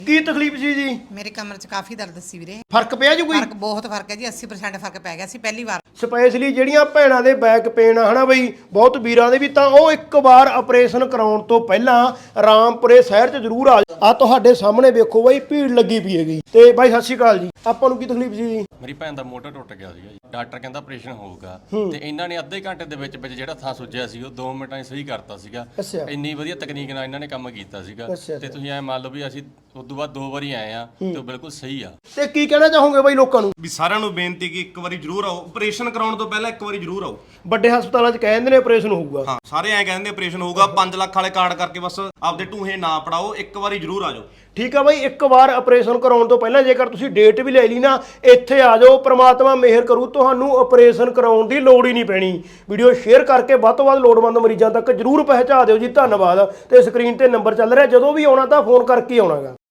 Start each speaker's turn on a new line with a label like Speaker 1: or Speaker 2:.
Speaker 1: ਕੀ ਤਕਲੀਫ ਸੀ ਜੀ?
Speaker 2: ਮੇਰੇ ਕਮਰ 'ਚ ਕਾਫੀ ਦਰਦ ਸੀ ਵੀਰੇ।
Speaker 1: ਫਰਕ ਪਿਆ ਜੀ ਕੋਈ?
Speaker 2: ਫਰਕ ਬਹੁਤ ਫਰਕ ਹੈ ਜੀ, 80% ਫਰਕ ਪੈ ਗਿਆ ਸੀ ਪਹਿਲੀ ਵਾਰ।
Speaker 1: ਸਪੈਸ਼ਲੀ ਜਿਹੜੀਆਂ ਭੈਣਾਂ ਦੇ ਬੈਕ ਪੇਨ ਆ ਹਨਾ ਬਈ, ਬਹੁਤ ਵੀਰਾਂ ਦੇ ਵੀ, ਤਾਂ ਉਹ ਇੱਕ ਵਾਰ ਆਪਰੇਸ਼ਨ ਕਰਾਉਣ ਤੋਂ ਪਹਿਲਾਂ ਰਾਮਪੁਰੇ ਸ਼ਹਿਰ 'ਚ ਜ਼ਰੂਰ ਆ ਤੁਹਾਡੇ ਸਾਹਮਣੇ ਵੇਖੋ ਬਈ, ਭੀੜ ਲੱਗੀ ਪਈ ਹੈਗੀ। ਤੇ ਬਾਈ ਸਤਿ ਸ਼੍ਰੀ ਅਕਾਲ ਜੀ, ਆਪਾਂ ਨੂੰ ਕੀ ਤਕਲੀਫ ਸੀ ਜੀ?
Speaker 3: ਮੇਰੀ ਭੈਣ ਦਾ ਮੋਢਾ ਟੁੱਟ ਗਿਆ ਸੀਗਾ ਜੀ, ਡਾਕਟਰ ਕਹਿੰਦਾ ਆਪਰੇਸ਼ਨ ਹੋਊਗਾ ਤੇ ਇਹਨਾਂ ਨੇ ਅੱਧੇ ਘੰਟੇ ਦੇ ਵਿੱਚ ਜਿਹੜਾ ਥਾਂ ਸੁੱਜਿਆ ਸੀ ਉਹ 2 ਮਿੰਟਾਂ 'ਚ ਸਹੀ ਕਰਤਾ ਸੀਗਾ।
Speaker 1: ਅੱਛਾ।
Speaker 3: ਇੰਨੀ ਵਧੀਆ ਤਕਨੀਕ ਨਾਲ ਇਹਨਾਂ ਨੇ ਕੰਮ ਕੀਤਾ ਸੀਗਾ ਤੇ ਤੁਸੀਂ ਐ ਮੰਨ ਲਓ ਵੀ ਅਸੀਂ ਉਸ ਤੋਂ ਬਾਅਦ 2 ਵਾਰੀ ਆਏ ਆ ਤੇ ਉਹ ਬਿਲਕੁਲ ਸਹੀ ਆ।
Speaker 1: ਤੇ ਕੀ ਕਹਿਣਾ ਚਾਹੋਗੇ ਬਾਈ ਲੋਕਾਂ ਨੂੰ?
Speaker 4: ਵੀ ਸਾਰਿਆਂ ਨੂੰ ਬੇਨਤੀ ਕਿ ਇੱਕ ਵਾਰੀ ਜ਼ਰੂਰ ਆਓ, ਆਪਰੇਸ਼ਨ ਕਰਾਉਣ ਤੋਂ ਪਹਿਲਾਂ ਇੱਕ ਵਾਰੀ ਜ਼ਰੂਰ ਆਓ।
Speaker 1: ਵੱਡੇ ਹਸਪਤਾਲਾਂ 'ਚ ਕਹਿੰਦੇ ਨੇ ਆਪਰੇਸ਼ਨ ਹੋਊਗਾ।
Speaker 4: ਹਾਂ, ਸਾਰੇ ਐਂ ਕਹਿੰਦੇ ਆਪਰੇਸ਼ਨ ਹੋਊਗਾ, 5 ਲੱਖ ਵਾਲੇ ਕਾਰਡ ਕਰਕੇ ਬਸ ਆਪਦੇ ਢੂਹੇ ਨਾ ਪੜਾਓ, ਇੱਕ ਵਾਰੀ ਜ਼ਰੂਰ ਆ ਜਾਓ।
Speaker 1: ਠੀਕ ਆ ਬਾਈ, ਇੱਕ ਵਾਰ ਆਪਰੇਸ਼ਨ ਕਰਾਉਣ ਤੋਂ ਪਹਿਲਾਂ ਜੇਕਰ ਤੁਸੀਂ ਡੇਟ ਵੀ ਲੈ ਲਈ ਨਾ, ਇੱਥੇ ਆ ਜਾਓ, ਪ੍ਰਮਾਤਮਾ ਮਿਹਰ ਕਰੂ, ਤੁਹਾਨੂੰ ਆਪਰੇਸ਼ਨ ਕਰਾਉਣ ਦੀ ਲੋੜ ਹੀ ਨਹੀਂ ਪੈਣੀ। ਵੀਡੀਓ ਸ਼ੇਅਰ ਕਰਕੇ ਵੱਧ ਤੋਂ ਵੱਧ ਲੋੜਵੰਦ ਮਰੀਜ਼ਾਂ ਤੱਕ ਜਰੂਰ ਪਹੁੰਚਾ ਦਿਓ ਜੀ। ਧੰਨਵਾਦ। ਤੇ ਸਕਰੀਨ ਤੇ ਨੰਬਰ ਚੱਲ ਰਿਹਾ, ਜਦੋਂ ਵੀ ਆਉਣਾ ਤਾਂ ਫੋਨ ਕਰਕੇ ਆਉਣਾਗਾ।